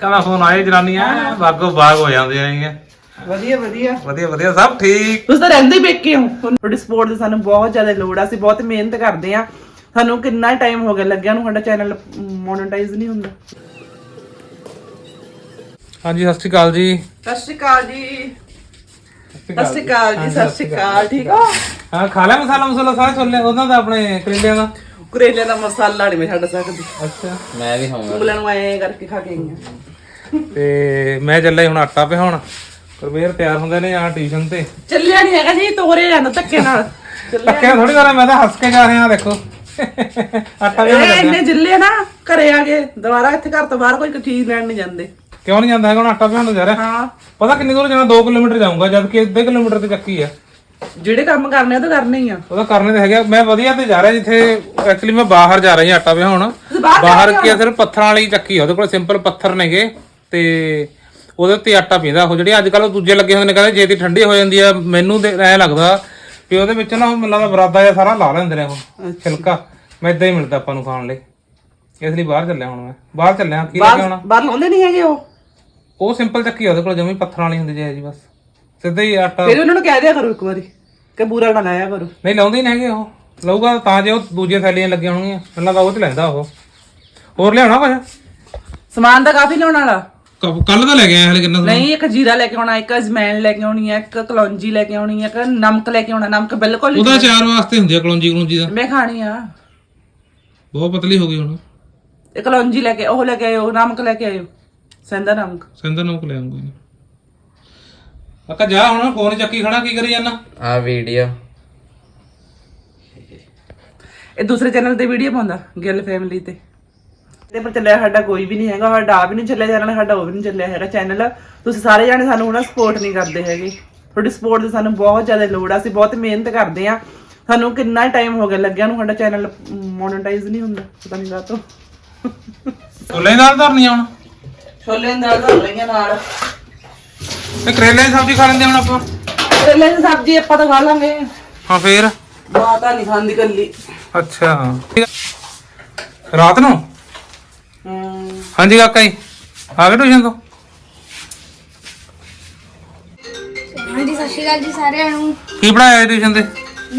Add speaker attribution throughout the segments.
Speaker 1: ਕਹਿੰਦਾ ਫੋਨ ਆਏ ਜਨਾਨੀਆਂ ਬਾਗੋ ਬਾਗ ਹੋ ਜਾਂਦੀਆਂ ਹੈਗੀਆਂ।
Speaker 2: ਵਧੀਆ ਵਧੀਆ
Speaker 1: ਵਧੀਆ ਵਧੀਆ ਸਭ ਠੀਕ।
Speaker 2: ਤੁਸੀਂ ਤਾਂ ਰਹਿੰਦੇ ਹੀ ਪੇਕੇ ਹੋ। ਤੁਹਾਡੀ ਸਪੋਰਟ ਦੀ ਸਾਨੂੰ ਬਹੁਤ ਜ਼ਿਆਦਾ ਲੋੜ ਆ। ਅਸੀਂ ਬਹੁਤ ਮਿਹਨਤ ਕਰਦੇ ਆ। ਸਾਨੂੰ ਕਿੰਨਾ ਟਾਈਮ ਹੋ ਗਿਆ ਲੱਗਿਆ ਨੂੰ, ਸਾਡਾ ਚੈਨਲ ਮੋਨੇਟਾਈਜ਼ ਨਹੀਂ ਹੁੰਦਾ।
Speaker 1: ਹਾਂਜੀ ਸਤਿ ਸ਼੍ਰੀ ਅਕਾਲ ਜੀ।
Speaker 2: ਸਤਿ ਸ਼੍ਰੀ ਅਕਾਲ ਜੀ। ਸਤਿ ਸ਼੍ਰੀ ਅਕਾਲ ਜੀ। ਸਤਿ ਸ਼੍ਰੀ ਅਕਾਲ। ਠੀਕ ਹੋ?
Speaker 1: ਹਾਂ ਖਾ ਲਿਆ ਮਸਾਲਾ ਸਾਰਾ ਛੋਲੇ ਉਹਨਾਂ ਦਾ ਆਪਣੇ ਕਰੇਲਿਆਂ ਦਾ।
Speaker 2: ਕਰੇਲਿਆਂ ਦਾ ਮਸਾਲਾ ਨਹੀਂ ਮੈਂ ਛੱਡ ਸਕਦੀ।
Speaker 1: ਅੱਛਾ ਮੈਂ ਵੀ ਖਾਵਾਂਗਾ।
Speaker 2: ਉਂਗਲਾਂ ਨੂੰ ਐਂ ਕਰਕੇ ਖਾ ਕੇ ਆਈਆਂ।
Speaker 1: ਤੇ ਮੈਂ ਚੱਲਿਆ ਹੁਣ ਆਟਾ ਪਿਹਾਉਣ। ਕੁਲਵੀਰ ਤਿਆਰ ਹੁੰਦੇ ਨੇ ਆ ਟਿਊਸ਼ਨ ਤੇ।
Speaker 2: ਚੱਲਿਆ ਨਹੀਂ ਹੈਗਾ ਜੀ, ਤੋਰੇ ਜਾਂਦਾ ਧੱਕੇ ਨਾਲ।
Speaker 1: ਧੱਕੇ ਥੋੜੀ ਕਰ ਮੈਂ ਤਾਂ ਹੱਸ ਕੇ ਜਾ ਰਿਹਾ ਦੇਖੋ। ਆਟਾ ਵੀ
Speaker 2: ਇੰਨੇ ਜਿੱਲੇ ਨਾ ਘਰੇ ਆ ਗਏ ਦੁਬਾਰਾ ਇੱਥੇ ਘਰ ਤੋਂ ਬਾਹਰ ਕੋਈ ਚੀਜ਼ ਲੈਣ ਨਹੀਂ ਜਾਂਦੇ।
Speaker 1: ਕਿਉਂ ਨਹੀਂ ਜਾਂਦਾ ਹੈਗਾ? ਹੁਣ ਆਟਾ ਪਿਹਾਉਣ ਜਾ ਰਿਹਾ।
Speaker 2: ਹਾਂ
Speaker 1: ਪਤਾ ਕਿੰਨੀ ਦੂਰ ਜਾਣਾ? 2 ਕਿਲੋਮੀਟਰ ਜਾਊਂਗਾ ਜਦ ਕਿ 1.5 ਕਿਲੋਮੀਟਰ ਤੇ ਚੱਕੀ ਆ।
Speaker 2: ਜਿਹੜੇ ਕੰਮ ਕਰਨੇ ਆ ਤਾਂ ਕਰਨੇ ਹੀ ਆ।
Speaker 1: ਉਹਦਾ ਕਰਨੇ ਤੇ ਹੈਗਾ। ਮੈਂ ਵਧੀਆ ਤੇ ਜਾ ਰਿਹਾ ਜਿੱਥੇ ਐਕਚੁਅਲੀ ਮੈਂ ਬਾਹਰ ਜਾ ਰਿਹਾ ਆਟਾ ਪਿਹਾਉਣ। ਬਾਹਰ ਕੀ ਸਿਰਫ ਪੱਥਰਾਂ ਵਾਲੀ ਚੱਕੀ ਆ, ਉਹਦੇ ਕੋਲ ਸਿੰਪਲ ਪੱਥਰ ਨੇਗੇ ਤੇ ਉਹਦੇ ਉੱਤੇ ਆਟਾ ਪੀਂਦਾ। ਉਹ ਜਿਹੜੇ ਅੱਜ ਕੱਲ ਦੂਜੇ ਲੱਗੇ ਹੁੰਦੇ ਨੇ ਕਹਿੰਦੇ ਜੇ ਤੀ ਠੰਡੀ ਹੋ ਜਾਂਦੀ ਆ। ਮੈਨੂੰ ਤੇ ਐ ਲੱਗਦਾ ਵੀ ਉਹਦੇ ਵਿੱਚ ਨਾ ਮੈਨੂੰ ਲੱਗਦਾ ਬਰਾਦਾ ਜਿਹਾ ਸਾਰਾ ਲਾ ਲੈਂਦੇ ਨੇ ਉਹ ਛਿਲਕਾ। ਮੈਂ ਇਦਾਂ ਹੀ ਮਿਲਦਾ ਆਪਾਂ ਨੂੰ ਖਾਣ ਲਈ, ਇਸ ਲਈ ਬਾਹਰ ਚੱਲਿਆ ਹੁਣ। ਮੈਂ ਬਾਹਰ ਚੱਲਿਆ ਕੀ ਲੈ ਕੇ ਆਉਣਾ?
Speaker 2: ਬਾਹਰ ਲਾਉਂਦੇ ਨਹੀਂ ਹੈਗੇ ਉਹ
Speaker 1: ਸਿੰਪਲ ਚੱਕੀ ਆ ਉਹਦੇ ਕੋਲ, ਜਮੀ ਪੱਥਰਾਂ ਵਾਲੀ ਹੁੰਦੀ ਜੀ ਬਸ ਸਿੱਧਾ ਹੀ ਆਟਾ।
Speaker 2: ਫਿਰ ਉਹਨਾਂ ਨੂੰ ਕਹਿ ਦਿਆ ਕਰੋ ਇੱਕ ਵਾਰੀ ਕਿ ਬੂਰਾ ਨਾ ਲਾਇਆ ਕਰੋ।
Speaker 1: ਨਹੀਂ ਲਾਉਂਦੇ ਹੀ ਨਹੀਂ ਹੈਗੇ ਉਹ। ਲਊਗਾ ਤਾਂ ਜੇ ਉਹ ਦੂਜੀਆਂ ਥੈਲੀਆਂ ਲੱਗੀਆਂ ਹੋਣਗੀਆਂ ਪਹਿਲਾਂ ਤਾਂ ਉਹ ਚ ਲੈਂਦਾ ਉਹ। ਹੋਰ ਲਿਆਉਣਾ ਕੁਛ
Speaker 2: ਸਮਾਨ ਤਾਂ ਕਾਫੀ ਲਿਆਉਣ ਵਾਲਾ।
Speaker 1: ਕੱਲ ਤਾਂ ਲੈ ਕੇ ਆਇਆ ਹਲੇ ਕਿੰਨਾ।
Speaker 2: ਨਹੀਂ ਇੱਕ ਜੀਰਾ ਲੈ ਕੇ ਆਉਣਾ, ਇੱਕ ਅਜਮੈਨ ਲੈ ਕੇ ਆਉਣੀ ਹੈ, ਇੱਕ ਕਲੌਂਜੀ ਲੈ ਕੇ ਆਉਣੀ ਹੈ, ਇੱਕ ਨਮਕ ਲੈ ਕੇ ਆਉਣਾ। ਨਮਕ ਬਿਲਕੁਲ
Speaker 1: ਉਹਦਾ ਅਚਾਰ ਵਾਸਤੇ ਹੁੰਦੀ ਆ ਕਲੌਂਜੀ ਦਾ।
Speaker 2: ਮੈਂ ਖਾਣੀ ਆ।
Speaker 1: ਬਹੁਤ ਪਤਲੀ ਹੋ ਗਈ ਹੁਣ।
Speaker 2: ਇਹ ਕਲੌਂਜੀ ਲੈ ਕੇ ਉਹ ਲੈ ਕੇ ਆਇਓ, ਨਮਕ ਲੈ ਕੇ ਆਇਓ, ਸੈਂਦਾ ਨਮਕ।
Speaker 1: ਸੈਂਦਾ ਨਮਕ ਲੈ ਆਉਂਗਾ। ਅੱਕਾ ਜਾ ਹੁਣ ਫੋਨ ਚੱਕੀ ਖੜਾ ਕੀ ਕਰੀ ਜਾਂਦਾ?
Speaker 3: ਆ ਵੀਡੀਓ
Speaker 2: ਇਹ ਦੂਸਰੇ ਚੈਨਲ ਤੇ ਵੀਡੀਓ ਪਾਉਂਦਾ ਗਿੱਲ ਫੈਮਿਲੀ ਤੇ। ਇਹਦੇ ਪਰ ਚੱਲਿਆ ਸਾਡਾ ਕੋਈ ਵੀ ਨਹੀਂ ਹੈਗਾ। ਸਾਡਾ ਆ ਵੀ ਨਹੀਂ ਚੱਲਿਆ ਚੈਨਲ, ਸਾਡਾ ਉਹ ਵੀ ਨਹੀਂ ਚੱਲਿਆ ਹੈਗਾ ਚੈਨਲ। ਤੁਸੀਂ ਸਾਰੇ ਜਾਣੇ ਸਾਨੂੰ ਹੁਣ ਸਪੋਰਟ ਨਹੀਂ ਕਰਦੇ ਹੈਗੇ। ਤੁਹਾਡੀ ਸਪੋਰਟ ਦੀ ਸਾਨੂੰ ਬਹੁਤ ਜ਼ਿਆਦਾ ਲੋੜ ਆ। ਅਸੀਂ ਬਹੁਤ ਮਿਹਨਤ ਕਰਦੇ ਆ। ਸਾਨੂੰ ਕਿੰਨਾ ਟਾਈਮ ਹੋ ਗਿਆ ਲੱਗਿਆ ਨੂੰ, ਸਾਡਾ ਚੈਨਲ ਮੋਨੇਟਾਈਜ਼ ਨਹੀਂ ਹੁੰਦਾ। ਪਤਾ ਨਹੀਂ ਕਾਹਤੋਂ।
Speaker 1: ਛੋਲੇ ਨਾਲ ਧਰਨੀ ਹੁਣ।
Speaker 2: ਛੋਲੇ ਦੀ ਦਾਲ ਧਰ ਲਈਆਂ ਨਾਲ।
Speaker 1: ਤੇ ਕਰੇਲੇ ਦੀ ਸਬਜ਼ੀ ਖਾ ਲੈਂਦੇ ਹੁਣ ਆਪਾਂ।
Speaker 2: ਕਰੇਲੇ ਦੀ ਸਬਜ਼ੀ ਆਪਾਂ ਤਾਂ ਖਾ ਲਾਂਗੇ।
Speaker 1: ਹਾਂ ਫੇਰ
Speaker 2: ਮਾਤਾ ਨਹੀਂ ਖਾਂਦੀ ਕੱਲੀ।
Speaker 1: ਅੱਛਾ ਰਾਤ ਨੂੰ। ਹਾਂਜੀ ਕਾਕਾ ਜੀ ਆ ਗਏ ਟਿਊਸ਼ਨ ਤੋਂ?
Speaker 4: ਹਾਂਜੀ ਸਤਿ ਸ਼੍ਰੀ ਅਕਾਲ ਜੀ ਸਾਰਿਆਂ ਨੂੰ।
Speaker 1: ਕੀ ਪੜਾਇਆ ਟਿਊਸ਼ਨ ਤੇ?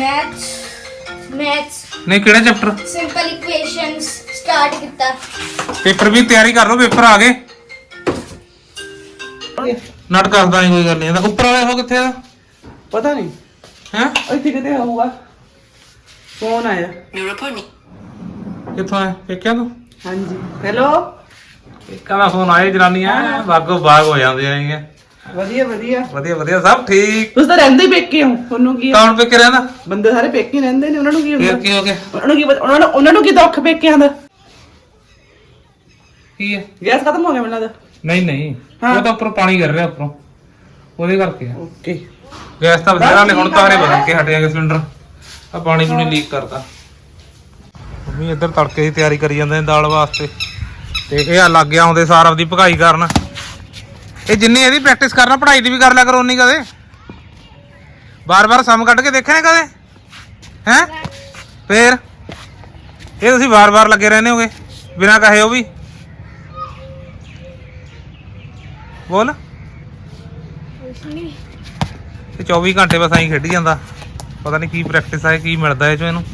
Speaker 4: ਮੈਥਸ
Speaker 1: ਨਹੀਂ ਕਿਹੜਾ ਚੈਪਟਰ?
Speaker 4: ਸਿੰਪਲ ਇਕੁਏਸ਼ਨਸ ਸਟਾਰਟ ਕੀਤਾ।
Speaker 1: ਪੇਪਰ ਵੀ ਤਿਆਰੀ ਕਰ ਲਓ, ਪੇਪਰ ਆ ਗਏ। ਨਟ ਕਰਦਾ ਨਹੀਂ, ਕੋਈ ਗੱਲ ਨਹੀਂ। ਇਹਦਾ ਉੱਪਰ ਵਾਲਾ ਉਹ ਕਿੱਥੇ ਆ?
Speaker 2: ਪਤਾ ਨਹੀਂ
Speaker 1: ਹੈ
Speaker 2: ਇੱਥੇ ਕਿਤੇ ਹੋਊਗਾ। ਫੋਨ ਆਇਆ।
Speaker 1: ਕਿੱਥੋਂ ਆਇਆ? ਪੇਕਿਆਂ ਤੋਂ?
Speaker 2: ਹਾਂਜੀ ਹੈਲੋ।
Speaker 1: ਕਹਿੰਦਾ ਫੋਨ ਆਏ ਜਨਾਨੀਆਂ ਬਾਗੋ ਬਾਗ ਹੋ ਜਾਂਦੀਆਂ ਹੈਗੀਆਂ।
Speaker 2: ਵਧੀਆ ਵਧੀਆ
Speaker 1: ਵਧੀਆ ਵਧੀਆ ਸਭ ਠੀਕ।
Speaker 2: ਤੁਸੀਂ ਤਾਂ ਰਹਿੰਦੇ ਹੀ ਪੇਕੇ ਹੋ। ਤੁਹਾਨੂੰ ਕੀ
Speaker 1: ਕੌਣ ਪੇਕੇ ਰਹਿੰਦਾ?
Speaker 2: ਬੰਦੇ ਸਾਰੇ ਪੇਕੇ ਹੀ ਰਹਿੰਦੇ ਨੇ। ਉਹਨਾਂ ਨੂੰ ਕੀ ਹੁੰਦਾ?
Speaker 1: ਫੇਰ ਕੀ ਹੋ ਗਿਆ?
Speaker 2: ਉਹਨਾਂ ਨੂੰ ਕੀ ਦੁੱਖ ਪੇਕਿਆਂ ਦਾ?
Speaker 1: ਕੀ ਹੈ?
Speaker 2: ਗੈਸ ਖਤਮ ਹੋ ਗਿਆ ਮੈਨੂੰ ਲੱਗਦਾ।
Speaker 1: ਨਹੀਂ ਉਹ ਤਾਂ ਉੱਪਰੋਂ ਪਾਣੀ ਕਰ ਰਿਹਾ ਉੱਪਰੋਂ, ਉਹਦੇ ਕਰਕੇ ਆ।
Speaker 2: ਓਕੇ
Speaker 1: ਗੈਸ ਤਾਂ ਬਥੇਰਾ ਨੇ ਹੁਣ ਤਾਰੇ ਬਦਲ ਕੇ ਹਟਿਆ ਸਿਲੰਡਰ। ਆ ਪਾਣੀ ਪੂਣੀ ਲੀਕ ਕਰਦਾ। ਮੰਮੀ ਇੱਧਰ ਤੜਕੇ ਦੀ ਤਿਆਰੀ ਕਰੀ ਜਾਂਦੇ ਨੇ ਦਾਲ ਵਾਸਤੇ। ਤੇ ਇਹ ਆ ਲੱਗ ਗਿਆ ਆਉਂਦੇ ਸਾਰ ਆਪਦੀ ਭਗਾਈ ਕਰਨ। ਇਹ ਜਿੰਨੀ ਇਹਦੀ ਪ੍ਰੈਕਟਿਸ ਕਰਨਾ ਪੜ੍ਹਾਈ ਦੀ ਵੀ ਕਰ ਲਿਆ ਕਰੋ ਉਨੀ। ਕਦੇ ਬਾਰ-ਬਾਰ ਸਮ ਕੱਢ ਕੇ ਦੇਖਿਆ ਨੇ ਕਦੇ? ਹੈ ਫੇਰ ਇਹ ਤੁਸੀਂ ਵਾਰ-ਵਾਰ ਲੱਗੇ ਰਹਿੰਦੇ ਹੋਗੇ ਬਿਨਾਂ ਕਹੇ। ਉਹ ਵੀ ਬੋਲ। ਇਹ 24 ਘੰਟੇ ਬਸ ਐਂ ਖੇਡੀ ਜਾਂਦਾ। ਪਤਾ ਨਹੀਂ ਕੀ ਪ੍ਰੈਕਟਿਸ ਹੈ, ਕੀ ਮਿਲਦਾ ਇਹ ਚੋਂ ਇਹਨੂੰ।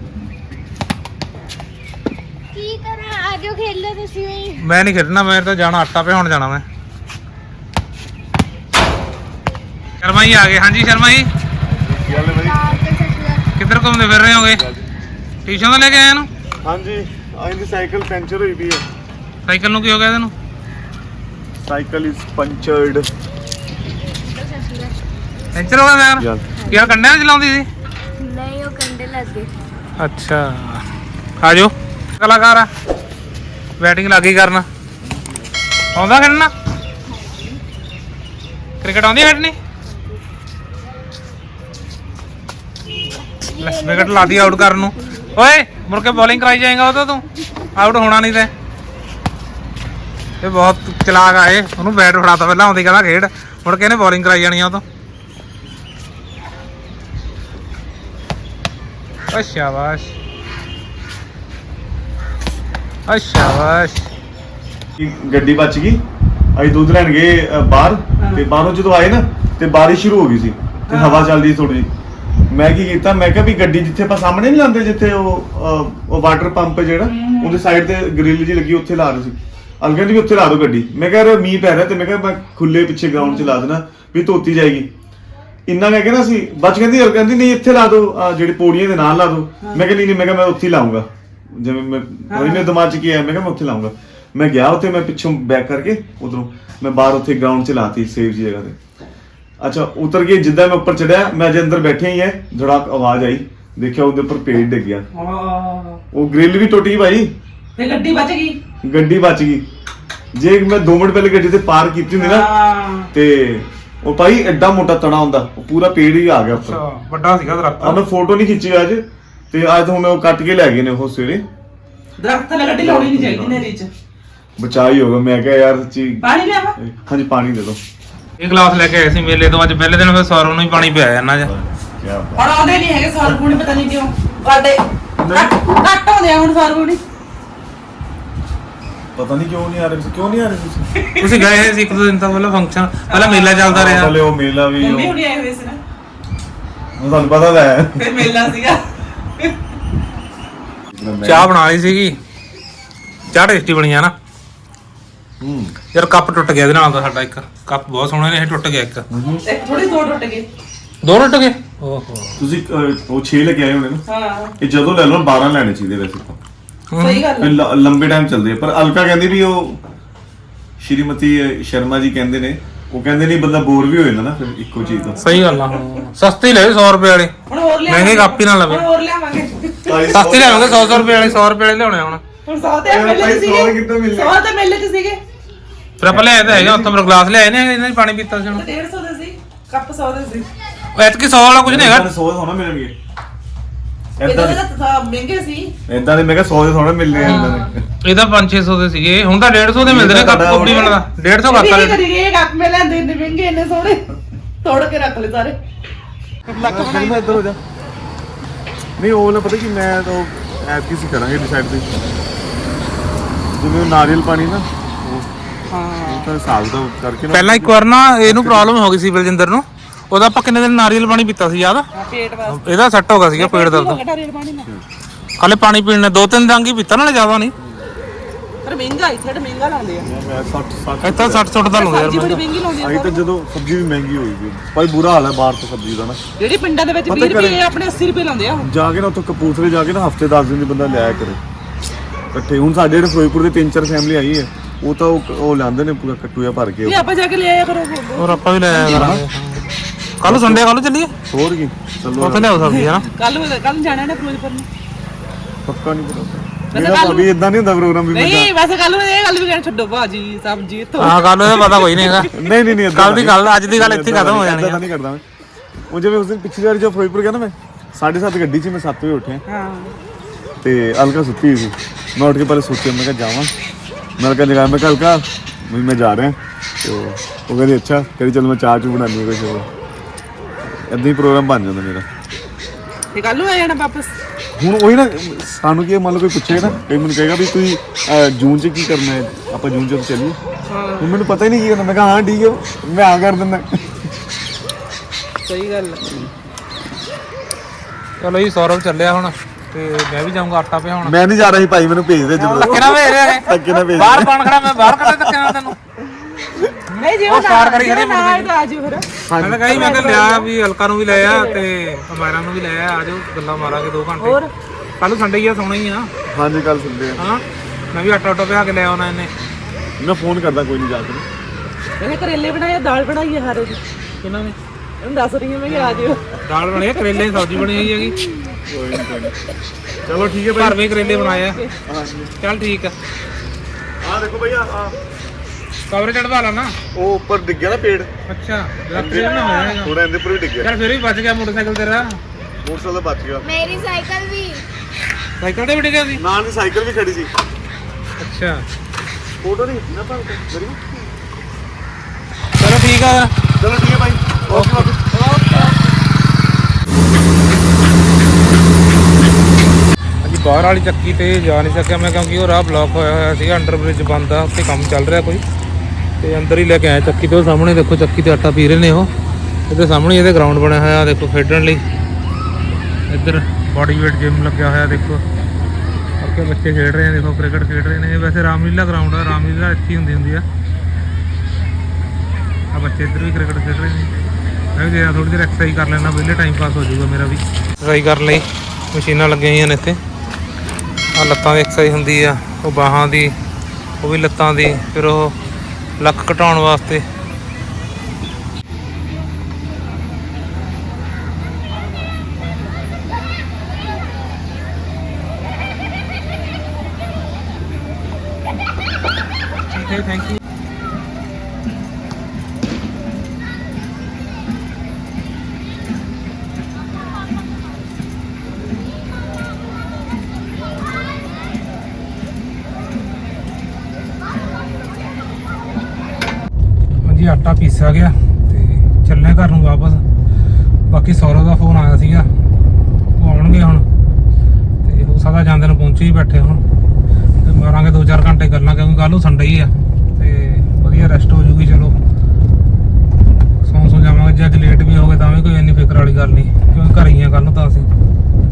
Speaker 4: ਕੀ ਕਰਾਂ? ਆਜੋ ਖੇਲੋ ਤੁਸੀਂ ਵੀ।
Speaker 1: ਮੈਂ ਨਹੀਂ ਖੇਡਣਾ, ਮੈਂ ਤਾਂ ਜਾਣਾ ਆਟਾ ਪਿਹਾਉਣ ਜਾਣਾ। ਮੈਂ ਸ਼ਰਮਾ ਜੀ ਆ ਗਏ। ਹਾਂਜੀ ਸ਼ਰਮਾ ਜੀ ਕਿੱਧਰ ਘੁੰਮਦੇ ਫਿਰ ਰਹੇ ਹੋਗੇ? ਟਿਊਸ਼ਨ ਤੋਂ ਲੈ ਕੇ ਆਏ ਇਹਨੂੰ?
Speaker 5: ਹਾਂਜੀ ਇਹਦੀ ਸਾਈਕਲ ਪੈਂਚਰ ਹੋਈ ਵੀ ਹੈ।
Speaker 1: ਸਾਈਕਲ ਨੂੰ ਕੀ ਹੋ ਗਿਆ ਇਹਨੂੰ?
Speaker 5: Cycle is ਪੰਚਰਡ।
Speaker 1: ਪੈਂਚਰ ਹੋ ਗਿਆ ਯਾਰ? ਯਾਰ ਕੰਡਿਆਂ ਨਾਲ ਚਲਾਉਂਦੀ ਸੀ?
Speaker 4: ਨਹੀਂ ਉਹ ਕੰਡੇ ਲੱਗ ਗਏ।
Speaker 1: ਅੱਛਾ ਆ ਜਾਓ। ਕਲਾਕਾਰ ਆ, ਬੈਟਿੰਗ ਲੱਗ ਗਈ ਕਰਨ। ਆਉਂਦਾ ਖੇਡਣਾ? ਕ੍ਰਿਕਟ ਆਉਂਦੀ ਖੇਡਣੀ? ਲੈ ਵਿਕਟ ਲਾ ਦੀ ਆਊਟ ਕਰਨ ਨੂੰ। ਓਏ ਮੁੜ ਕੇ ਬੋਲਿੰਗ ਕਰਾਈ ਜਾਏਗਾ ਉਹ ਤਾਂ ਤੂੰ ਆਊਟ ਹੋਣਾ ਨਹੀਂ ਤੇ। ਇਹ ਬਹੁਤ ਚਲਾਕ ਆਏ। ਉਹਨੂੰ ਬੈਟ ਫੜਾਤਾ ਪਹਿਲਾਂ, ਆਉਂਦੀ ਕਹਿੰਦਾ ਖੇਡ, ਮੁੜ ਕੇ ਇਹਨੇ ਬੋਲਿੰਗ ਕਰਾਈ ਜਾਣੀ ਆ ਉਹ ਤੋਂ। ਓ ਸ਼ਾਬਾਸ਼ ਓ ਸ਼ਾਬਾਸ਼।
Speaker 5: ਗੱਡੀ ਬਚ ਗਈ। ਅਸੀਂ ਦੁੱਧ ਲੈਣ ਗਏ ਬਾਹਰ ਤੇ ਬਾਹਰੋਂ ਜਦੋਂ ਆਏ ਨਾ ਤੇ ਬਾਰਿਸ਼ ਸ਼ੁਰੂ ਹੋ ਗਈ ਸੀ ਤੇ ਹਵਾ ਚੱਲਦੀ ਥੋੜੀ ਜਿਹੀ। ਮੈਂ ਕੀ ਕੀਤਾ, ਮੈਂ ਕਿਹਾ ਵੀ ਗੱਡੀ ਜਿੱਥੇ ਆਪਾਂ ਸਾਹਮਣੇ ਨਹੀਂ ਲਾਉਂਦੇ, ਜਿੱਥੇ ਉਹ ਵਾਟਰ ਪੰਪ ਜਿਹੜਾ ਉਹਦੇ ਸਾਈਡ ਤੇ ਗ੍ਰਿਲ ਜੀ ਲੱਗੀ ਉੱਥੇ ਲਾ ਰਹੇ ਸੀ। ਅਲਕਾ ਕਹਿੰਦੀ ਵੀ ਉੱਥੇ ਲਾ ਦਿਓ ਗੱਡੀ। ਮੈਂ ਕਿਹਾ ਮੀਂਹ ਪੈ ਰਿਹਾ ਤੇ ਮੈਂ ਕਿਹਾ ਮੈਂ ਖੁੱਲੇ ਪਿੱਛੇ ਗਰਾਊਂਡ 'ਚ ਲਾ ਦੇਣਾ ਵੀ ਧੋਤੀ ਜਾਏਗੀ। ਇੰਨਾ ਮੈਂ ਕਹਿੰਦਾ ਸੀ, ਬਚ ਕਹਿੰਦੀ ਅਲਕਾ ਕਹਿੰਦੀ ਨਹੀਂ ਇੱਥੇ ਲਾ ਦਿਓ, ਜਿਹੜੇ ਪੌੜੀਆਂ ਦੇ ਨਾਲ ਲਾ ਦਿਓ। ਮੈਂ ਕਿਹਾ ਨਹੀਂ ਮੈਂ ਕਿਹਾ ਮੈਂ ਉੱਥੇ ਹੀ ਲਾਉਂਗਾ। ਜਿਵੇਂ ਮੇਰੇ ਦਿਮਾਗ 'ਚ ਕੀ ਆਇਆ, ਮੈਂ ਕਿਹਾ ਮੈਂ ਉੱਥੇ ਲਾਉਂਗਾ। ਮੈਂ ਗਿਆ ਉੱਥੇ, ਮੈਂ ਪਿੱਛੋਂ ਬੈਕ ਕਰਕੇ ਉਧਰੋਂ ਮੈਂ ਬਾਹਰ ਉੱਥੇ ਗਰਾਊਂਡ 'ਚ ਲਾਤੀ ਸੇਫ ਜੀ ਜਗ੍ਹਾ ਤੇ। ਅੱਛਾ ਉਤਰ ਕੇ ਜਿੱਦਾਂ ਮੈਂ ਉੱਪਰ ਚੜਿਆ, ਮੈਂ ਅਜੇ ਅੰਦਰ ਬੈਠਿਆ ਹੀ ਹੈ, ਧੜਾਕ ਆਵਾਜ਼ ਆਈ, ਦੇਖਿਆ ਉਹਦੇ ਉੱਪਰ ਪੇੜ ਡਿੱਗ ਗਿਆ। ਉਹ ਗ੍ਰਿਲ ਵੀ ਟੁੱਟ ਗਈ ਭਾਈ
Speaker 2: ਤੇ ਗੱਡੀ ਬਚ ਗਈ।
Speaker 5: ਗੱਡੀ ਬਚ ਗਈ। ਜੇ ਮੈਂ 2 ਮਿੰਟ ਪਹਿਲੇ ਗੱਡੀ ਤੇ ਪਾਰ ਕੀਤੀ ਹੁੰਦੀ ਨਾ ਤੇ ਉਹ ਭਾਈ ਐਡਾ ਮੋਟਾ ਤਣਾ ਹੁੰਦਾ, ਉਹ ਪੂਰਾ ਪੇੜ ਹੀ ਆ ਗਿਆ ਉੱਪਰ।
Speaker 1: ਅੱਛਾ ਵੱਡਾ ਸੀਗਾ ਦਰਖਤ।
Speaker 5: ਮੈਂ ਫੋਟੋ ਨਹੀਂ ਖਿੱਚੀ ਅੱਜ, ਤੇ ਅੱਜ ਹੁਣ ਉਹ ਕੱਟ ਕੇ ਲੈ ਗਏ ਨੇ ਉਹ ਸਵੇਰੇ।
Speaker 2: ਦਰਖਤ ਥੱਲੇ ਗੱਡੀ ਲਾਉਣੀ ਨਹੀਂ ਚਾਹੀਦੀ ਨੇਰੀ 'ਚ,
Speaker 5: ਬਚਾ ਹੀ ਹੋਗਾ। ਮੈਂ ਕਿਹਾ ਯਾਰ ਸੱਚੀ।
Speaker 2: ਪਾਣੀ ਲਿਆਵਾ।
Speaker 5: ਹਾਂਜੀ ਪਾਣੀ ਦੇ ਦਿਓ।
Speaker 1: ਇਹ ਗਲਾਸ ਲੈ ਕੇ ਆਏ ਸੀ ਮੇਲੇ ਤੋਂ, ਅੱਜ ਪਹਿਲੇ ਦਿਨ ਫਿਰ ਸੌਰਵ ਨੂੰ ਹੀ ਪਾਣੀ ਪਿਆਇਆ ਇਹਨਾਂ 'ਚ।
Speaker 5: ਕੀ
Speaker 2: ਹੁਣ ਆਉਂਦੇ ਨਹੀਂ ਹੈਗੇ ਸਾਰਗੁਣੀ, ਪਤਾ ਨਹੀਂ ਕਿਉਂ ਸਾਡੇ ਘੱਟ ਆਉਂਦੇ ਆ ਹੁਣ ਸਾਰਗੁਣੀ।
Speaker 5: ਪਤਾ ਨਹੀਂ ਕਿਉਂ ਨਹੀਂ ਆ ਰਹੇ ਸੀ, ਕਿਉਂ ਨਹੀਂ ਆ ਰਹੇ ਸੀ?
Speaker 1: ਤੁਸੀਂ ਗਏ ਹੋਏ ਸੀ 1-2 ਦਿਨ ਤੋਂ ਪਹਿਲਾਂ ਫੰਕਸ਼ਨ, ਪਹਿਲਾਂ ਮੇਲਾ ਚੱਲਦਾ ਰਿਹਾ।
Speaker 5: ਪਹਿਲੇ ਉਹ ਮੇਲਾ ਵੀ
Speaker 2: ਮੰਮੀ ਹੁਣੀ ਆਏ ਹੋਏ ਸੀ ਨਾ,
Speaker 5: ਉਹ ਤੁਹਾਨੂੰ ਪਤਾ ਤਾਂ ਹੈ।
Speaker 2: ਫਿਰ ਮੇਲਾ ਸੀਗਾ।
Speaker 1: ਚਾਹ ਬਣਾ ਲਈ ਸੀਗੀ, ਚਾਹ ਟੇਸਟੀ ਬਣੀ ਆ ਨਾ। ਯਾਰ ਕੱਪ ਟੁੱਟ ਗਿਆ ਇਹਦੇ ਨਾਲ ਤਾਂ, ਸਾਡਾ ਇੱਕ ਕੱਪ ਬਹੁਤ ਸੋਹਣਾ ਨੇ, ਇਹ ਟੁੱਟ ਗਿਆ ਇੱਕ।
Speaker 2: ਇੱਕ ਥੋੜੀ ਦੋ ਟੁੱਟ ਗਏ।
Speaker 1: 2 ਟੁੱਟ ਗਏ। ਓਹੋ
Speaker 5: ਤੁਸੀਂ ਉਹ 6 ਲੈ ਕੇ ਆਏ ਹੋਣੇ ਨਾ।
Speaker 2: ਹਾਂ
Speaker 5: ਇਹ ਜਦੋਂ ਲੈ ਲਓ 12 ਲੈਣੇ ਚਾਹੀਦੇ ਵੈਸੇ ਤਾਂ,
Speaker 2: ਸਹੀ ਗੱਲ
Speaker 5: ਫਿਰ ਲੰਬੇ ਟਾਈਮ ਚੱਲਦੇ ਆ। ਪਰ ਅਲਕਾ ਕਹਿੰਦੀ ਵੀ ਉਹ ਸ਼੍ਰੀਮਤੀ ਸ਼ਰਮਾ ਜੀ ਕਹਿੰਦੇ ਨੇ, ਉਹ ਕਹਿੰਦੇ ਨਹੀਂ ਬੰਦਾ ਬੋਰ ਵੀ ਹੋ ਜਾਂਦਾ ਨਾ ਫਿਰ ਇੱਕੋ ਚੀਜ਼ ਤੋਂ।
Speaker 1: ਸਹੀ ਗੱਲ ਆ। ਸਸਤੀ ਲੈ 100 ਰੁਪਏ ਵਾਲੇ,
Speaker 2: ਹੁਣ ਹੋਰ ਲਿਆ
Speaker 1: ਮਹਿੰਗੇ ਕੱਪ ਹੀ ਨਾ ਲਵੇ।
Speaker 2: ਹੁਣ ਹੋਰ ਲਿਆਵਾਂਗੇ।
Speaker 1: ਸਸਤੀ ਲੈਵਾਂਗੇ 100 ਰੁਪਏ ਵਾਲੇ, 100 ਰੁਪਏ ਵਾਲੇ ਲਿਆਉਣੇ ਹੁਣ।
Speaker 2: ਹੁਣ 100 ਤੇ ਮੇਲੇ 'ਚ ਸੀਗੇ, 100 ਤੇ ਮੇਲੇ 'ਚ ਸੀਗੇ।
Speaker 1: ਫਿਰ ਆਪਾਂ ਲਿਆਏ ਤਾਂ ਹੈਗਾ ਉੱਥੋਂ, ਮੇਰਾ ਗਲਾਸ ਲਿਆਏ ਨੇ, ਇਹਨਾਂ 'ਚ ਪਾਣੀ ਪੀਤਾ ਸੀ ਹੁਣ।
Speaker 2: 150 ਦੇ ਸੀ ਕੱਪ, 100 ਦੇ ਸੀ।
Speaker 1: ਐਤਕੀ 100 ਵਾਲਾ ਕੁਝ ਨਹੀਂ ਹੈਗਾ।
Speaker 5: 100 ਥੋੜਾ ਮਿਲਣਗੇ
Speaker 2: ਇਹਦਾ ਤਾਂ ਮਹਿੰਗੇ ਸੀ।
Speaker 5: ਇਦਾਂ ਦੇ। ਮੈਂ ਕਿਹਾ 100 ਦੇ ਥੋੜਾ ਮਿਲਣੇ ਆ ਇਦਾਂ ਦੇ।
Speaker 1: ਇਹ ਤਾਂ 500-600 ਦੇ ਸੀਗੇ, ਹੁਣ ਤਾਂ 150 ਦੇ ਮਿਲਦੇ ਨੇ ਕੱਪ। ਕੋਪੀ ਬਣਦਾ 150 ਕੱਪ
Speaker 2: ਕੀ
Speaker 1: ਵਾਲੇ।
Speaker 2: ਕਰੀਏ, ਇਹ ਕੱਪ ਮੈਂ ਲੈਂਦੇ ਇੰਨੇ ਮਹਿੰਗੇ, ਇੰਨੇ ਸੋਹਣੇ, ਤੋੜ ਕੇ ਰੱਖ ਲਏ ਸਾਰੇ।
Speaker 5: ਮੈਂ ਇੱਧਰ ਹੋ ਜਾ। ਨਹੀਂ ਉਹ ਨਾ ਪਤਾ ਕਿ ਮੈਂ ਤਾਂ ਐਤਕੀ ਸੀ ਕਰਾਂਗੇ ਡਿਸਾਈਡ ਤੇ, ਜਿਵੇਂ ਨਾਰੀਅਲ ਪਾਣੀ ਨਾ ਉਹ ਤਾਂ ਹਿਸਾਬ ਦਾ ਕਰਕੇ ਨਾ।
Speaker 1: ਪਹਿਲਾਂ ਇੱਕ ਵਾਰ ਨਾ ਇਹਨੂੰ ਪ੍ਰੋਬਲਮ ਹੋ ਗਈ ਸੀ ਬਲਜਿੰਦਰ ਨੂੰ, ਉਹਦਾ ਆਪਾਂ ਕਿੰਨੇ ਦਿਨ ਨਾਰੀਅਲ ਪਾਣੀ ਪੀਤਾ ਸੀ ਯਾਦ ਆ?
Speaker 2: ਪੇਟ ਵਾਸਤੇ
Speaker 1: ਇਹਦਾ ਸੈੱਟ ਹੋ ਗਿਆ ਸੀਗਾ ਪੇਟ ਦਰਦ।
Speaker 2: ਨਾਰੀਅਲ ਪਾਣੀ ਨਾ
Speaker 1: ਹਾਲੇ ਪਾਣੀ ਪੀਣ ਨੇ 2-3 ਡੰਗ ਹੀ ਪੀਤਾ, ਨਾਲੇ ਜ਼ਿਆਦਾ ਨਹੀਂ।
Speaker 2: ਪਰ ਮਹਿੰਗਾ ਇੱਥੇ ਤਾਂ ਮਹਿੰਗਾ ਲਾਉਂਦੇ ਆ।
Speaker 5: ਮੈਂ 60
Speaker 1: ਇੱਥੇ 60 ਦਾ ਲਾਉਂਦੇ ਯਾਰ।
Speaker 2: ਸਬਜ਼ੀ ਬੜੀ ਮਹਿੰਗੀ ਲਾਉਂਦੇ
Speaker 5: ਆਈ
Speaker 2: ਆ।
Speaker 5: ਤਾਂ ਜਦੋਂ ਸਬਜ਼ੀ ਵੀ ਮਹਿੰਗੀ ਹੋਈ ਗਈ ਭਾਈ, ਬੁਰਾ ਹਾਲ ਹੈ ਬਾਹਰ ਤੋਂ ਸਬਜ਼ੀ ਦਾ ਨਾ।
Speaker 2: ਜਿਹੜੀ ਪਿੰਡਾਂ ਦੇ ਵਿੱਚ 20 ਰੁਪਏ ਆਪਣੇ 80 ਰੁਪਏ ਲਾਉਂਦੇ ਆ।
Speaker 5: ਜਾ ਕੇ ਨਾ ਉੱਥੋਂ ਕਪੂਰਥਲੇ ਜਾ ਕੇ ਨਾ ਹਫਤੇ 10 ਦਿਨ ਦੀ ਬੰਦਾ ਲਿਆਇਆ ਕਰੇ ਇਕੱਠੇ। ਹੁਣ ਸਾਡੇ ਜਿਹੜੇ ਫਿਰੋਜ਼ਪੁਰ ਦੇ 3-4 ਫੈਮਿਲੀ ਆਈ ਹੈ, ਉਹ ਤਾਂ ਉਹ ਲਾਉਂਦੇ ਨੇ ਪੂਰਾ ਕੱਟੂਆ ਭਰ ਕੇ।
Speaker 2: ਇਹ ਆਪਾਂ ਜਾ ਕੇ ਲੈ ਆਇਆ ਕਰੋ।
Speaker 1: ਹੋਰ ਆਪਾਂ ਵੀ ਲੈ ਆਇਆ ਕਰਾਂਗੇ। ਕੱਲ ਸੰਡੇ, ਕੱਲ ਚੱਲੀਏ
Speaker 5: ਹੋਰ ਕੀ ਚਲੋ
Speaker 1: ਉੱਥੇ ਲਿਆਓ ਸਬਜ਼ੀ ਹੈ ਨਾ।
Speaker 2: ਕੱਲ ਜਾਣਾ ਨਾ ਫਿਰੋਜ਼ਪੁਰ ਨੂੰ।
Speaker 5: ਪੱਕਾ ਨਹੀਂ ਪਤਾ ਮੇਰਾ ਭਾਬੀ ਇਦਾਂ ਨਹੀਂ ਹੁੰਦਾ ਪ੍ਰੋਗਰਾਮ ਵੀ।
Speaker 2: ਨਹੀਂ ਵੈਸੇ ਕੱਲ ਨੂੰ ਇਹ ਗੱਲ ਵੀ ਕਹਿਣ ਛੱਡੋ, ਭਾਜੀ ਸਬਜ਼ੀ ਇੱਥੋਂ।
Speaker 1: ਹਾਂ ਕੱਲ ਇਹਦਾ ਪਤਾ ਕੋਈ ਨਹੀਂ ਹੈਗਾ।
Speaker 5: ਨਹੀਂ
Speaker 1: ਕੱਲ ਦੀ ਗੱਲ, ਅੱਜ ਦੀ ਗੱਲ ਇੱਥੇ ਖਤਮ ਹੋ ਜਾਣੀ
Speaker 5: ਇਦਾਂ ਨਹੀਂ ਕਰਦਾ ਮੈਂ। ਉਹ ਜਿਵੇਂ ਉਸ ਦਿਨ ਪਿਛਲੀ ਵਾਰ ਜੋ ਫਿਰੋਜ਼ਪੁਰ ਗਿਆ ਨਾ, ਮੈਂ 7:30 ਗੱਡੀ 'ਚ ਮੈਂ 7 ਵਜੇ ਉੱਠਿਆ
Speaker 2: ਹਾਂ
Speaker 5: ਤੇ ਅਲਕਾ ਸੁੱਤੀ ਸੀ। ਮੈਂ ਉੱਠ ਕੇ ਪਹਿਲੇ ਸੋਚਿਆ, ਮੈਂ ਕਿਹਾ ਜਾਵਾਂ। ਮੈਂ ਅਲਕਾ ਜਗਾ, ਮੈਂ ਕਿਹਾ ਅਲਕਾ ਵੀ ਮੈਂ ਜਾ ਰਿਹਾ। ਤੇ ਉਹ ਕਹਿੰਦੀ ਅੱਛਾ, ਕਹਿੰਦੀ ਚਲ ਮੈਂ ਚਾਹ ਚੂ ਬਣਾਉਣੀ ਕੁਛ ਹੋਰ। ਏਦਾਂ ਹੀ ਪ੍ਰੋਗਰਾਮ ਬਣ ਜਾਂਦਾ ਮੇਰਾ।
Speaker 2: ਤੇ ਕੱਲ ਨੂੰ ਆ ਜਾਣਾ ਵਾਪਸ।
Speaker 5: ਹੁਣ ਉਹੀ ਨਾ, ਸਾਨੂੰ ਕੀ ਮੰਨ ਲਓ ਕੋਈ ਪੁੱਛੇ ਨਾ, ਕੋਈ ਮੈਨੂੰ ਕਹੇਗਾ ਵੀ ਤੁਸੀਂ ਜੂਨ 'ਚ ਕੀ ਕਰਨਾ ਹੈ, ਆਪਾਂ ਜੂਨ 'ਚ ਚੱਲੀਏ। ਹੁਣ ਮੈਨੂੰ ਪਤਾ ਹੀ ਨਹੀਂ ਕੀ ਕਰਨਾ। ਮੈਂ ਕਿਹਾ ਹਾਂ ਠੀਕ ਹੈ, ਮੈਂ ਆ ਕਰ ਦਿੰਦਾ।
Speaker 2: ਸਹੀ ਗੱਲ ਹੈ।
Speaker 1: ਚਲੋ ਜੀ ਸੌਰਵ ਚੱਲਿਆ ਹੁਣ, ਤੇ ਮੈਂ ਵੀ ਜਾਊਂਗਾ ਆਟਾ ਪਿਹਾਉਣ।
Speaker 5: ਮੈਂ ਨਹੀਂ ਜਾ ਰਿਹਾ ਸੀ ਭਾਈ, ਮੈਨੂੰ ਭੇਜ ਦੇ ਜ਼ਰੂਰ।
Speaker 1: ਧੱਕੇ ਨਾ ਭੇਜ ਰਹੇ
Speaker 5: ਧੱਕੇ ਨਾ ਭੇਜ।
Speaker 1: ਬਾਹਰ ਕੌਣ ਖੜਾ? ਮੈਂ ਬਾਹਰ ਕੱਢੇ ਧੱਕੇ ਨਾਲ ਤੈਨੂੰ।
Speaker 2: ਨਹੀਂ ਜੇ
Speaker 1: ਉਹ ਸਟਾਰ ਕਰੀ ਖੜੀ
Speaker 2: ਨਾ ਆਏ ਤਾਂ ਆਜੋ ਫਿਰ।
Speaker 1: ਮੈਂ ਤਾਂ ਕਹੀ, ਮੈਂ ਕਿਹਾ ਲਿਆ ਵੀ ਹਲਕਾ ਨੂੰ ਵੀ ਲੈ ਆ ਤੇ ਅਮਾਇਰਾ ਨੂੰ ਵੀ ਲੈ ਆ, ਆਜੋ ਗੱਲਾਂ ਮਾਰਾਂਗੇ 2 ਘੰਟੇ।
Speaker 2: ਹੋਰ
Speaker 1: ਕੱਲ ਸੰਡੇ ਹੀ ਆ, ਸੋਣਾ ਹੀ ਆ।
Speaker 5: ਹਾਂਜੀ ਕੱਲ ਸੁਣਦੇ ਆ।
Speaker 1: ਹਾਂ ਮੈਂ ਵੀ ਆਟਾ ਪਿਹਾ ਕੇ ਲੈ ਆਉਣਾ ਇਹਨੇ।
Speaker 5: ਮੈਂ ਫੋਨ ਕਰਦਾ ਕੋਈ ਨਹੀਂ ਜਾ ਕੇ।
Speaker 2: ਇਹਨੇ ਕਰੇਲੇ ਬਣਾਏ, ਦਾਲ ਬਣਾਈ ਹੈ ਹਾਰੇ ਦੀ।
Speaker 1: ਕਿਹਨਾਂ ਨੇ?
Speaker 2: ਇਹਨੂੰ ਦੱਸ ਰਹੀ ਹਾਂ ਮੈਂ ਕਿ ਆ ਜਿਓ।
Speaker 1: ਦਾਲ ਬਣੀ ਆ, ਕਰੇਲੇ ਦੀ ਸਬਜ਼ੀ ਬਣੀ ਹੋਈ ਹੈਗੀ।
Speaker 5: ਕੋਈ ਨਹੀਂ ਚਲੋ ਠੀਕ ਹੈ
Speaker 1: ਘਰ ਵੀ ਕਰੇਲੇ ਬਣਾਏ ਆ। ਚੱਲ ਠੀਕ ਆ।
Speaker 5: ਆ ਦੇਖੋ ਭਈਆ ਆ
Speaker 1: ਕਵਰ ਚੜਵਾ ਲਾ ਨਾ।
Speaker 5: ਉਹ ਉੱਪਰ ਡਿੱਗ ਗਿਆ ਨਾ ਪੇੜ।
Speaker 1: ਅੱਛਾ ਲੱਕੜੀ ਨਾ ਹੋਇਆ।
Speaker 5: ਥੋੜਾ ਇਹਦੇ ਉੱਪਰ ਵੀ ਡਿੱਗ ਗਿਆ।
Speaker 1: ਚੱਲ ਫਿਰ ਵੀ ਬਚ ਗਿਆ ਮੋਟਰਸਾਈਕਲ ਤੇਰਾ।
Speaker 5: ਮੋਟਰਸਾਈਕਲ ਤਾਂ ਬਚ ਗਿਆ।
Speaker 4: मेरी साइकिल भी।
Speaker 1: ਸਾਈਕਲ ਤੇ ਵੀ ਡਿੱਗਿਆ ਸੀ?
Speaker 5: ਨਾਲ ਦੀ ਸਾਈਕਲ ਵੀ ਖੜੀ ਸੀ।
Speaker 1: ਅੱਛਾ
Speaker 5: ਫੋਟੋ ਨਹੀਂ ਖਿੱਚੀ ਨਾ ਪਰ ਮੇਰੀ।
Speaker 1: ਚਲੋ ਠੀਕ ਆ।
Speaker 5: ਚਲੋ ਠੀਕ ਹੈ ਭਾਈ, ਓਕੇ ਬਾਬੂ।
Speaker 1: ਅੱਜ ਬਾਹਰ ਵਾਲੀ ਚੱਕੀ ਤੇ ਜਾ ਨਹੀਂ ਸਕਿਆ ਮੈਂ, ਕਿਉਂਕਿ ਉਹ ਰਾਹ ਬਲੌਕ ਹੋਇਆ ਹੋਇਆ ਸੀਗਾ, ਅੰਡਰ ਬ੍ਰਿਜ ਬੰਦ ਆ, ਉੱਥੇ ਕੰਮ ਚੱਲ ਰਿਹਾ ਕੋਈ। ਤੇ ਅੰਦਰ ਹੀ ਲੈ ਕੇ ਆਏ ਚੱਕੀ ਤੋਂ ਸਾਹਮਣੇ ਦੇਖੋ ਚੱਕੀ ਤੇ ਆਟਾ ਪੀ ਰਹੇ ਨੇ ਉਹ। ਇਹਦੇ ਸਾਹਮਣੇ ਇਹਦੇ ਗਰਾਊਂਡ ਬਣਿਆ ਹੋਇਆ ਦੇਖੋ ਖੇਡਣ ਲਈ। ਇੱਧਰ ਬਾਡੀ ਵੇਟ ਜਿਮ ਲੱਗਿਆ ਹੋਇਆ ਦੇਖੋ। ਅੱਗੇ ਬੱਚੇ ਖੇਡ ਰਹੇ ਨੇ ਦੇਖੋ ਕ੍ਰਿਕਟ ਖੇਡ ਰਹੇ ਨੇ। ਇਹ ਵੈਸੇ ਰਾਮਲੀਲਾ ਗਰਾਊਂਡ ਆ, ਰਾਮਲੀਲਾ ਇੱਥੇ ਹੁੰਦੀ ਆ। ਆ ਬੱਚੇ ਇੱਧਰ ਵੀ ਕ੍ਰਿਕਟ ਖੇਡ ਰਹੇ ਨੇ। ਮੈਂ ਵੀ ਜਿਹੜਾ ਥੋੜੀ ਦੇਰ ਐਕਸਰਸਾਈਜ਼ ਕਰ ਲੈਣਾ, ਵਿਹਲੇ ਟਾਈਮ ਪਾਸ ਹੋ ਜਾਊਗਾ ਮੇਰਾ ਵੀ। ਐਕਸਰਸਾਈਜ਼ ਕਰਨ ਲਈ ਮਸ਼ੀਨਾਂ ਲੱਗੀਆਂ ਹੋਈਆਂ ਨੇ ਇੱਥੇ। ਆ ਲੱਤਾਂ ਦੀ ਐਕਸਰਸਾਈਜ਼ ਹੁੰਦੀ ਆ, ਉਹ ਬਾਹਾਂ ਦੀ, ਉਹ ਵੀ ਲੱਤਾਂ ਦੀ, ਫਿਰ ਉਹ ਲੱਕ ਘਟਾਉਣ ਵਾਸਤੇ। ਠੀਕ ਹੈ, ਥੈਂਕ ਯੂ। ਜੀ ਆਟਾ ਪੀਸਿਆ ਗਿਆ ਤੇ ਚੱਲੇ ਘਰ ਨੂੰ ਵਾਪਸ। ਬਾਕੀ ਸੌਰਵ ਦਾ ਫੋਨ ਆਇਆ ਸੀਗਾ, ਉਹ ਆਉਣਗੇ ਹੁਣ ਤੇ ਹੋ ਸਕਦਾ ਜਾਂਦੇ ਨੂੰ ਪਹੁੰਚੇ ਹੀ ਬੈਠੇ ਹੁਣ। ਤੇ ਮਾਰਾਂਗੇ 2-4 ਘੰਟੇ ਗੱਲਾਂ, ਕਿਉਂਕਿ ਕੱਲ੍ਹ ਨੂੰ ਸੰਡੇ ਹੀ ਆ ਤੇ ਵਧੀਆ ਰੈਸਟ ਹੋ ਜੂਗੀ। ਚਲੋ